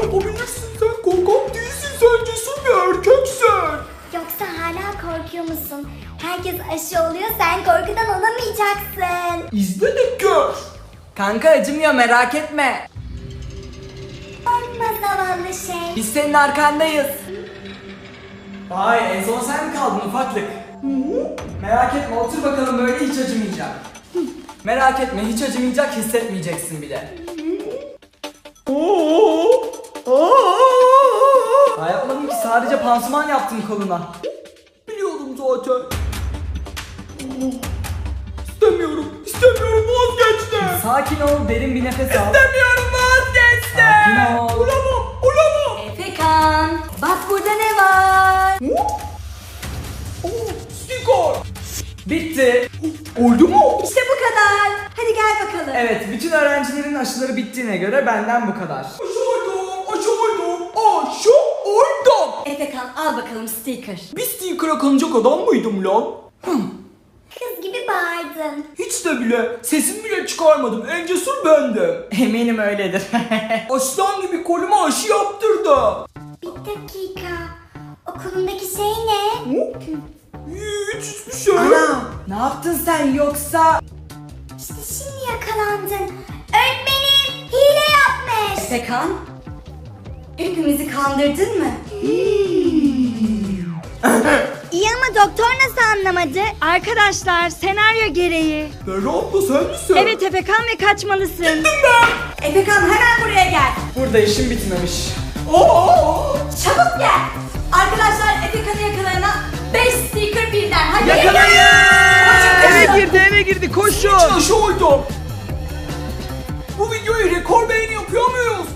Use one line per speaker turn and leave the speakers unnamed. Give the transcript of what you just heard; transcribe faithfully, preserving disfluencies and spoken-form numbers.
Yapabilirsin, sen korkak değilsin, sen cesur bir erkeksin.
Yoksa hala korkuyor musun? Herkes aşı oluyor, sen korkudan olamayacaksın.
İzle de gör.
Kanka acımıyor, merak etme.
Korkma zavallı şey.
Biz senin arkandayız. Vay, en son sen mi kaldın ufaklık? Merak etme, otur bakalım, böyle hiç acımayacak. Merak etme, hiç acımayacak, hissetmeyeceksin bile. Daha yapmadım ki, sadece pansuman yaptım koluna.
Biliyorum zaten. İstemiyorum, istemiyorum, vazgeçtim.
Sakin ol, derin bir nefes al.
İstemiyorum, vazgeçtim.
Sakin ol.
Olamam, olamam.
Efekan, bak burada ne var?
Oh, sticker.
Bitti.
Oldu mu?
İşte bu kadar. Hadi gel bakalım.
Evet, bütün öğrencilerin aşıları bittiğine göre benden bu kadar.
Aşı oldum, aşı oldum, aşı oldum.
Efekan al bakalım sticker.
Bir sticker'a kanacak adam mıydım lan?
Kız gibi bağırdın.
Hiç de bile, sesim bile çıkarmadım, en cesur bendim.
Eminim öyledir.
Aslan gibi koluma aşı yaptırdı.
Bir dakika. Okulundaki şey ne?
Hiç hiçbir şey.
Ana, ne yaptın sen yoksa?
İşte şimdi yakalandın. Öğretmenim hile yapmış.
Efekan, hepimizi kandırdın mı?
İyi ama doktor nasıl anlamadı?
Arkadaşlar senaryo gereği.
Berra abla sen misin?
Evet Efekan ve kaçmalısın. Efekan hemen buraya gel.
Burada işim bitmemiş.
Aa!
Çabuk gel. Arkadaşlar Efekan'ı yakalayana beş sticker birden. Hadi
Yakalayın!
Koşun, koşun.
girdi, eve girdi, koşun!
Aşı oldum. Bu videoyu rekor beğeni yapıyor muyuz?